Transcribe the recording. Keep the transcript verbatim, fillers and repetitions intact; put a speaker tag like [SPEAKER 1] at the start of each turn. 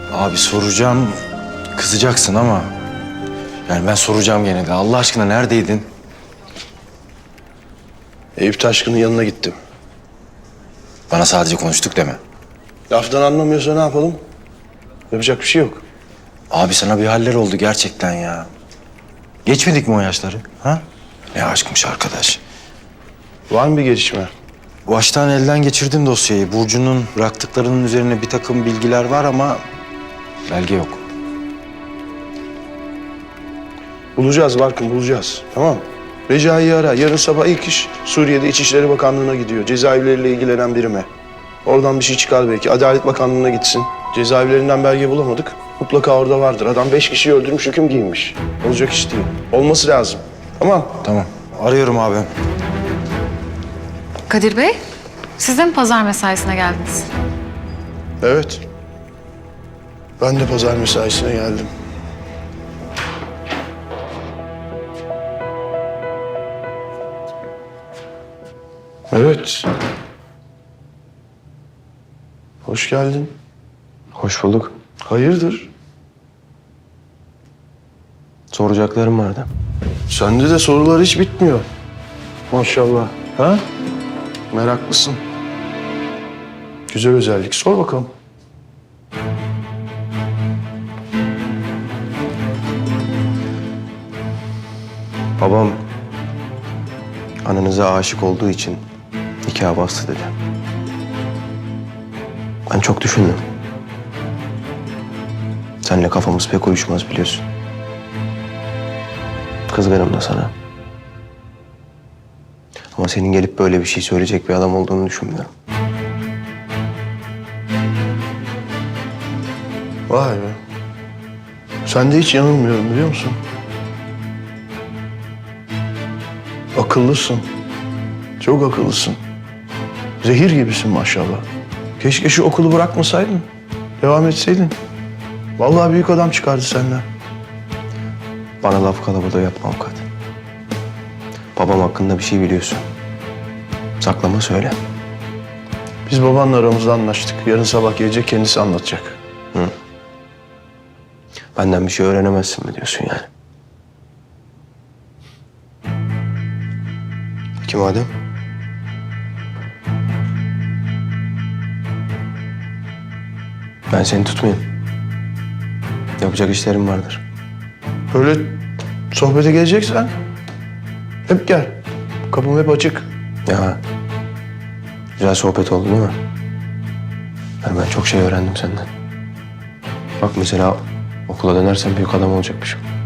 [SPEAKER 1] Abi soracağım, kızacaksın ama... Yani ben soracağım gene de. Allah aşkına neredeydin?
[SPEAKER 2] Eyüp Taşkın'ın yanına gittim.
[SPEAKER 1] Bana sadece konuştuk deme.
[SPEAKER 2] Laftan anlamıyorsa ne yapalım? Yapacak bir şey yok.
[SPEAKER 1] Abi sana bir haller oldu gerçekten ya. Geçmedik mi o yaşları? Ha? Ne aşkmış arkadaş.
[SPEAKER 2] Var mı bir gelişme?
[SPEAKER 1] Baştan elden geçirdim dosyayı. Burcu'nun bıraktıklarının üzerine bir takım bilgiler var ama... belge yok.
[SPEAKER 2] Bulacağız Barkın, bulacağız. Tamam mı? Recai'yi ara. Yarın sabah ilk iş Suriye'de İçişleri Bakanlığı'na gidiyor. Cezaevleriyle ilgilenen birime. Oradan bir şey çıkar belki. Adalet Bakanlığı'na gitsin. Cezaevlerinden belge bulamadık. Mutlaka orada vardır. Adam beş kişiyi öldürmüş, hüküm giymiş. Olacak iş değil. Olması lazım. Tamam.
[SPEAKER 1] Tamam. Arıyorum abi.
[SPEAKER 3] Kadir Bey, siz de mi pazar mesaisine geldiniz?
[SPEAKER 2] Evet. Ben de pazar mesaisine geldim. Evet. Hoş geldin.
[SPEAKER 4] Hoş bulduk.
[SPEAKER 2] Hayırdır?
[SPEAKER 4] Soracaklarım vardı.
[SPEAKER 2] Sende de sorular hiç bitmiyor. Maşallah. Ha? Meraklısın. Güzel özellik. Sor bakalım.
[SPEAKER 4] Babam ananıza aşık olduğu için nikah bastı dedi. Ben çok düşündüm. Seninle kafamız pek uyuşmaz biliyorsun. Kızgınım da sana. Ama senin gelip böyle bir şey söyleyecek bir adam olduğunu düşünmüyorum.
[SPEAKER 2] Vay be. Sen de hiç yanılmıyorum biliyor musun? Akıllısın. Çok akıllısın. Zehir gibisin maşallah. Keşke şu okulu bırakmasaydın. Devam etseydin. Vallahi büyük adam çıkardı senden.
[SPEAKER 4] Bana laf kalabalığı yapma avukat. Babam hakkında bir şey biliyorsun. Saklama söyle.
[SPEAKER 2] Biz babanla aramızda anlaştık. Yarın sabah gelecek, kendisi anlatacak.
[SPEAKER 4] Benden bir şey öğrenemezsin mi diyorsun yani? Peki madem? Ben seni tutmayayım. Yapacak işlerim vardır.
[SPEAKER 2] Böyle sohbete geleceksen hep gel. Kapım hep açık.
[SPEAKER 4] Ya güzel sohbet oldu değil mi? Yani ben çok şey öğrendim senden. Bak mesela okula dönersem büyük adam olacakmışım.